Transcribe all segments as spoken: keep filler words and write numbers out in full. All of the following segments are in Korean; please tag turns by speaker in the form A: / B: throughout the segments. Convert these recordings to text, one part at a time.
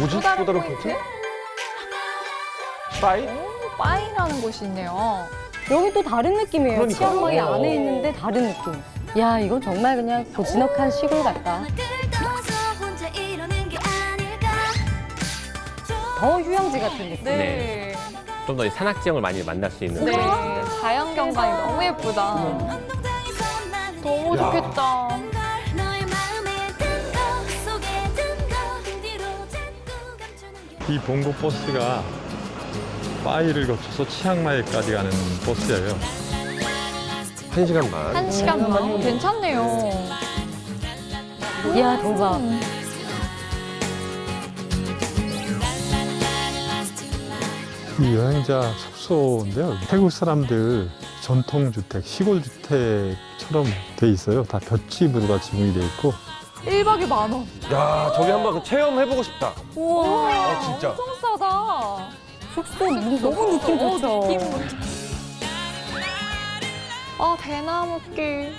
A: 뭐지?
B: 또 다른
A: 또 다른
B: 포인트?
A: 포인트? 빠이?
B: 오, 빠이라는 곳이 있네요.
C: 여기 또 다른 느낌이에요.
A: 그러니까.
C: 치앙마이
A: 어.
C: 안에 있는데 다른 느낌. 야, 이건 정말 그냥 고즈넉한 시골 같다. 더 휴양지 같은 느낌.
B: 네.
D: 좀 더 산악 지형을 많이 만날 수 있는
B: 네.
D: 그런
B: 자연 경관이 너무 예쁘다. 너무
A: 야.
B: 좋겠다.
E: 이 봉고 버스가 빠이를 거쳐서 치앙마이까지 가는 버스예요.
A: 한 시간 반.
B: 한 시간만. 괜찮네요.
C: 이야, 대박.
E: 이 여행자 숙소인데요. 태국 사람들 전통주택, 시골주택처럼 돼 있어요. 다 볏짚으로 다 지붕이 돼 있고.
B: 일 박에 만 원.
A: 야, 저기 한번 체험해보고 싶다.
B: 우와.
A: 아, 진짜.
B: 엄청 싸다.
C: 숙소 너무 느낌
B: 어,
C: 좋죠.
B: 느낌. 아, 대나무길.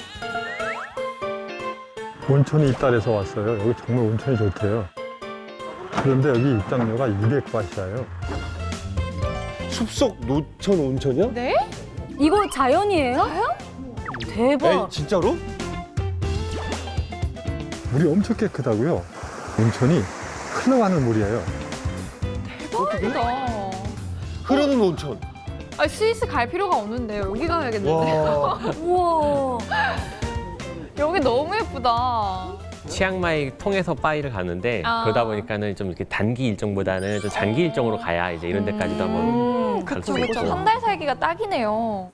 E: 온천이 있다 그래서 왔어요. 여기 정말 온천이 좋대요. 그런데 여기 입장료가 이백 바트예요.
A: 숲속 노천 온천이야?
B: 네?
C: 이거 자연이에요? 대박.
A: 에이, 진짜로?
E: 물이 엄청 깨끗하고요. 온천이 흘러가는 물이에요.
B: 대박이다.
A: 흐르는 온천.
B: 아니, 스위스 갈 필요가 없는데 여기 가야겠는데.
A: 와.
C: 우와.
B: 여기 너무 예쁘다.
D: 치앙마이 통해서 빠이를 가는데
B: 아.
D: 그러다 보니까는 좀 이렇게 단기 일정보다는 좀 장기 일정으로 가야 이제 이런 데까지도 한번
C: 음,
D: 갈
B: 그쵸,
D: 수
B: 그쵸.
D: 있고.
B: 한 달 살기가 딱이네요.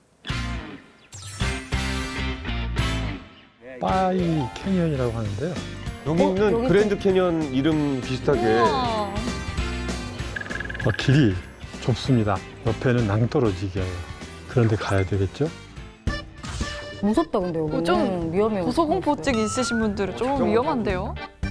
E: 빠이 캐니언이라고 하는데요.
A: 여기는
C: 어, 여기
A: 그랜드 캐년 이름 비슷하게.
B: 우와.
E: 어, 길이 좁습니다. 옆에는 낭떠러지기예요. 그런데 가야 되겠죠?
C: 무섭다, 근데 여기.
B: 어, 좀
C: 위험해요.
B: 고소공포증 있으신 분들은 좀 위험한데요?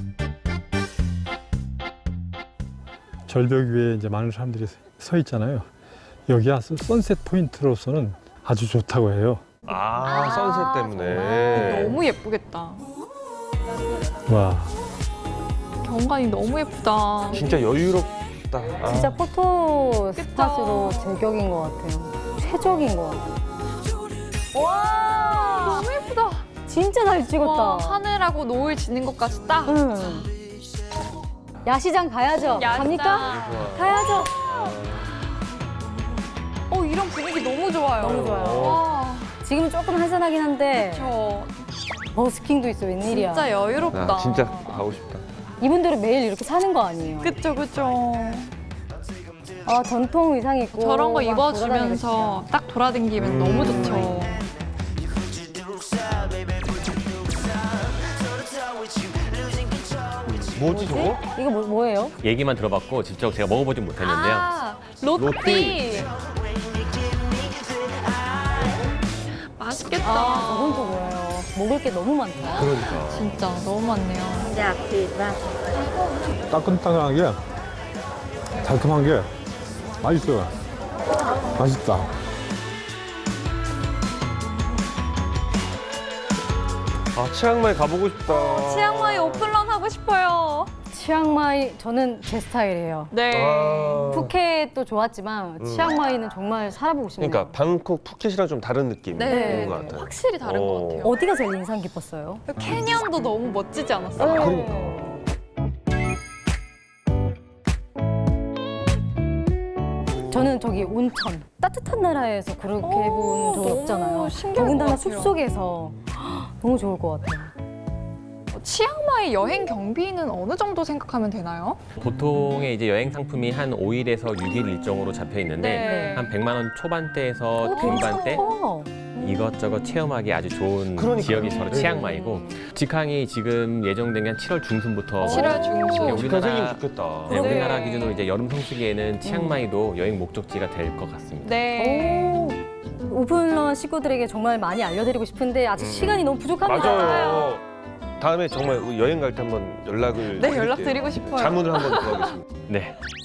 E: 절벽 위에 이제 많은 사람들이 서 있잖아요. 여기가 선셋 포인트로서는 아주 좋다고 해요.
A: 아, 선셋 때문에.
B: 너무 예쁘겠다.
E: 와,
B: 경관이 너무 예쁘다.
A: 진짜 여유롭다. 아.
C: 진짜 포토
B: 그쵸.
C: 스팟으로 제격인 것 같아요. 최적인 것 같아요. 와,
B: 너무 예쁘다.
C: 진짜 잘 찍었다.
B: 와, 하늘하고 노을 지는 것까지 딱.
C: 응. 야시장 가야죠.
B: 야시장.
C: 갑니까? 가야죠.
B: 어, 이런 분위기 너무 좋아요.
C: 너무 좋아요.
B: 와,
C: 지금 조금 한산하긴 한데
B: 저
C: 버스킹도 있어, 웬일이야.
B: 진짜 여유롭다.
A: 아, 진짜 가고 싶다.
C: 이분들은 매일 이렇게 사는 거 아니에요?
B: 그쵸, 그쵸.
C: 아, 전통 의상 입고
B: 저런 거
C: 막
B: 입어주면서 딱 돌아다니면
A: 음.
B: 너무 좋죠.
A: 뭐지, 저거?
C: 돌아다니고. 이거 뭐, 뭐예요?
D: 얘기만 들어봤고 직접 제가 먹어보진 못했는데요.
B: 아, 로띠.
A: 로띠.
B: 맛있겠다.
C: 아, 저건 또 뭐예요? 먹을 게 너무 많다.
A: 그러니까.
B: 진짜 너무 많네요.
E: 따끈따끈하게 달콤한 게 맛있어요. 맛있다.
A: 아, 치앙마이 가보고 싶다.
B: 치앙마이 오픈런 하고 싶어요.
C: 치앙마이 저는 제 스타일이에요.
B: 네.
A: 아.
C: 푸켓도 좋았지만 치앙마이는 정말 살아보고 싶네요.
A: 그러니까 방콕 푸켓이랑 좀 다른 느낌인
B: 네.
A: 것 같아요.
B: 확실히 다른
A: 어.
B: 것 같아요.
C: 어디가 제일 인상 깊었어요?
B: 캐년도 너무 멋지지 않았어요?
A: 그러니까.
C: 저는 저기 온천 따뜻한 나라에서 그렇게 해본 적
B: 너무
C: 없잖아요.
B: 신기할
C: 더군다나
B: 것 같아요.
C: 숲속에서 너무 좋을 것 같아요.
B: 치앙마이 여행 경비는 어느 정도 생각하면 되나요?
D: 보통의 이제 여행 상품이 한 오 일에서 육 일 일정으로 잡혀 있는데
B: 네.
D: 한 백만 원 초반대에서
C: 어,
D: 중반대
C: 어.
D: 이것저것 체험하기 아주 좋은
A: 그러니까요.
D: 지역이 바로
A: 네.
D: 치앙마이고 직항이 지금 예정된 게 한 칠월 중순부터
B: 칠월 중순.
D: 우리나라-
A: 우리나라 생기면 좋겠다.
D: 네,
B: 네.
D: 우리나라 기준으로 이제 여름 성수기에는 치앙마이도 여행 목적지가 될 것 같습니다.
B: 네.
C: 오, 오픈런 식구들에게 정말 많이 알려드리고 싶은데 아직
A: 음.
C: 시간이 너무 부족합니다.
A: 맞아요. 다음에 정말 여행 갈 때 한번 연락을
B: 네,
A: 드릴게요.
B: 연락드리고 싶어요.
A: 자문을 한번 구하겠습니다.
D: 네.